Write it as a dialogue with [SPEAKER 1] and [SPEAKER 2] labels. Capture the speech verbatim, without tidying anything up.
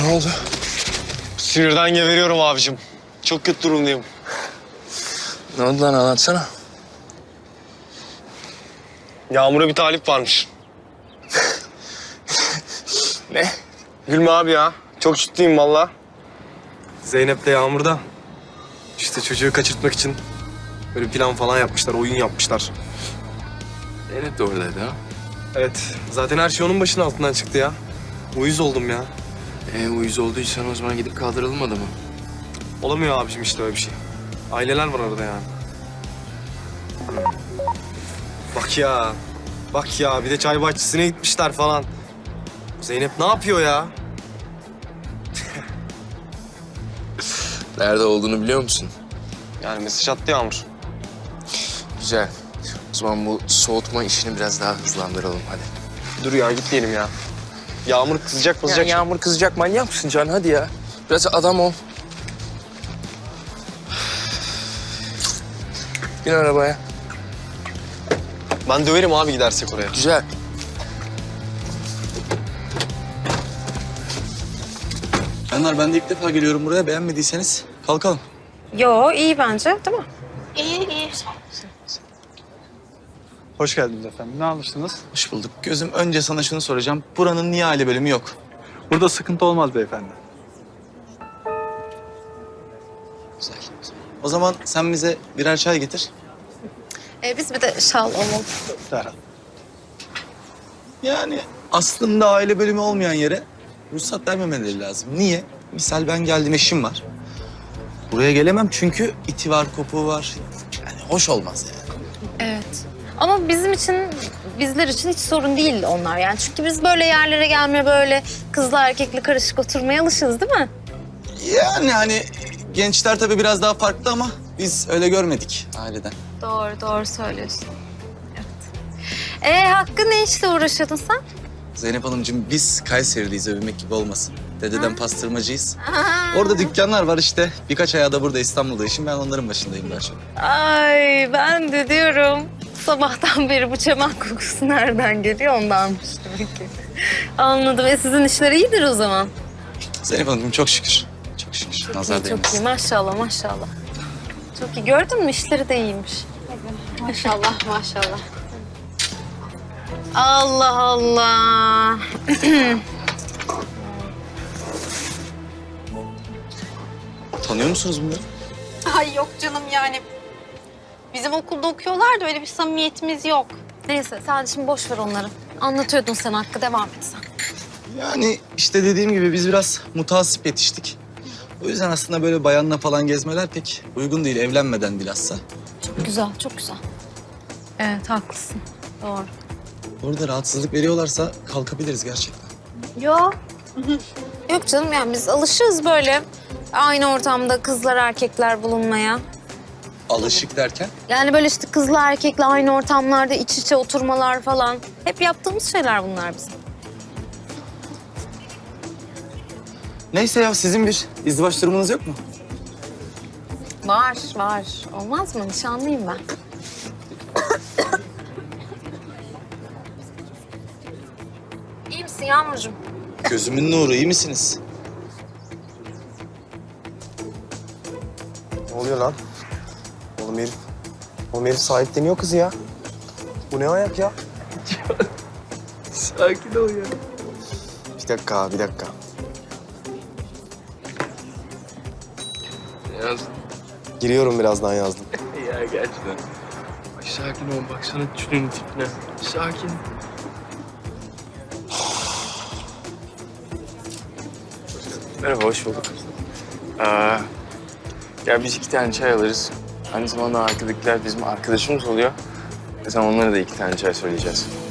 [SPEAKER 1] Ne oldu?
[SPEAKER 2] Sinirden geberiyorum abicim. Çok kötü durumdayım.
[SPEAKER 1] Ne oldu lan, anlatsana.
[SPEAKER 2] Yağmur'a bir talip varmış.
[SPEAKER 1] Ne?
[SPEAKER 2] Gülme abi ya. Çok ciddiyim valla. Zeynep de Yağmur'da. İşte çocuğu kaçırtmak için böyle plan falan yapmışlar, oyun yapmışlar.
[SPEAKER 1] Zeynep de oradaydı ha.
[SPEAKER 2] Evet, zaten her şey onun başının altından çıktı ya. Uyuz oldum ya.
[SPEAKER 1] E, uyuz olduysan o zaman gidip kaldıralım adamı.
[SPEAKER 2] Olamıyor abicim işte öyle bir şey. Aileler var arada yani. Bak ya. Bak ya, bir de çay bahçesine gitmişler falan. Zeynep ne yapıyor ya?
[SPEAKER 1] Nerede olduğunu biliyor musun?
[SPEAKER 2] Yani mesaj attı Yağmur.
[SPEAKER 1] Güzel. O zaman bu soğutma işini biraz daha hızlandıralım hadi.
[SPEAKER 2] Dur ya, gitmeyelim ya. Yağmur kızacak
[SPEAKER 1] Ya
[SPEAKER 2] kızacak.
[SPEAKER 1] Yağmur kızacak, manyak mısın Can? Hadi ya. Biraz adam ol. Bin arabaya.
[SPEAKER 2] Ben döverim abi gidersek oraya.
[SPEAKER 1] Güzel.
[SPEAKER 3] Canlar, ben de ilk defa geliyorum buraya. Beğenmediyseniz kalkalım.
[SPEAKER 4] Yo, iyi bence, değil mi?
[SPEAKER 5] İyi, iyi.
[SPEAKER 6] Hoş geldiniz efendim. Ne alırsınız?
[SPEAKER 3] Hoş bulduk. Gözüm, önce sana şunu soracağım. Buranın niye aile bölümü yok?
[SPEAKER 6] Burada sıkıntı olmaz beyefendi.
[SPEAKER 3] Güzel. O zaman sen bize birer çay getir.
[SPEAKER 4] Ee, biz bir de şal alalım.
[SPEAKER 6] Derhal.
[SPEAKER 3] Yani aslında aile bölümü olmayan yere ruhsat vermemeleri lazım. Niye? Misal ben geldim, eşim var. Buraya gelemem çünkü iti var, kopuğu var. Yani hoş olmaz yani.
[SPEAKER 4] Evet. Ama bizim için, bizler için hiç sorun değil onlar yani. Çünkü biz böyle yerlere gelmeye, böyle kızla erkekli karışık oturmaya alışığız, değil mi?
[SPEAKER 3] Yani hani gençler tabii biraz daha farklı ama biz öyle görmedik aileden.
[SPEAKER 4] Doğru, doğru söylüyorsun. Evet. Ee, Hakkı, ne işle uğraşıyordun sen?
[SPEAKER 3] Zeynep Hanımcığım, biz Kayseriliyiz, övünmek gibi olmasın. Dededen pastırmacıyız. Orada dükkanlar var işte. Birkaç ayağı da burada İstanbul'da işim. Ben onların başındayım daha çok.
[SPEAKER 4] Ay, ben de diyorum. Sabahtan beri bu çaman kokusu nereden geliyor, ondanmış demek ki. Anladım. E sizin işler iyidir o zaman.
[SPEAKER 3] Zeynep Hanımcığım çok şükür. Çok şükür. Nazar
[SPEAKER 4] İyi, çok iyi.
[SPEAKER 3] değmesin.
[SPEAKER 4] Maşallah, maşallah. Çok iyi. Gördün mü? İşleri de iyiymiş.
[SPEAKER 5] Maşallah, maşallah.
[SPEAKER 4] Allah Allah.
[SPEAKER 3] Tanıyor musunuz bunları?
[SPEAKER 5] Ay yok canım yani. Bizim okulda okuyorlar da öyle bir samimiyetimiz yok.
[SPEAKER 4] Neyse, sen şimdi boş ver onları. Anlatıyordun sen Hakkı. Devam et sen.
[SPEAKER 3] Yani işte dediğim gibi biz biraz mutasip yetiştik. O yüzden aslında böyle bayanla falan gezmeler pek uygun değil. Evlenmeden bilhassa.
[SPEAKER 4] Çok güzel, çok güzel. Evet, haklısın. Doğru.
[SPEAKER 3] Orada rahatsızlık veriyorlarsa kalkabiliriz gerçekten.
[SPEAKER 4] Yok. Yok canım, yani biz alışığız böyle aynı ortamda kızlar erkekler bulunmaya.
[SPEAKER 3] Alışık derken?
[SPEAKER 4] Yani böyle işte kızla erkekle aynı ortamlarda iç içe oturmalar falan. Hep yaptığımız şeyler bunlar bizim.
[SPEAKER 3] Neyse ya, sizin bir izdivaç durumunuz yok mu?
[SPEAKER 4] Var, var. Olmaz mı? Nişanlıyım ben. İyi misin Yağmurcuğum?
[SPEAKER 3] Gözümün nuru, iyi misiniz?
[SPEAKER 2] Ne oluyor lan? Oğlum herif. Oğlum herif sahipleniyor kızı ya. Bu ne ayak ya?
[SPEAKER 1] Sakin ol ya.
[SPEAKER 2] Bir dakika, bir dakika.
[SPEAKER 1] Yaz.
[SPEAKER 2] Giriyorum birazdan yazdım.
[SPEAKER 1] Ya gerçekten. Ay, sakin ol, baksana şunun tipine. Sakin. Merhaba, hoş bulduk. Ee, ya biz iki tane çay alırız. Aynı zamanda arkadakiler bizim arkadaşımız oluyor. Ve sen onlara da iki tane çay söyleyeceğiz.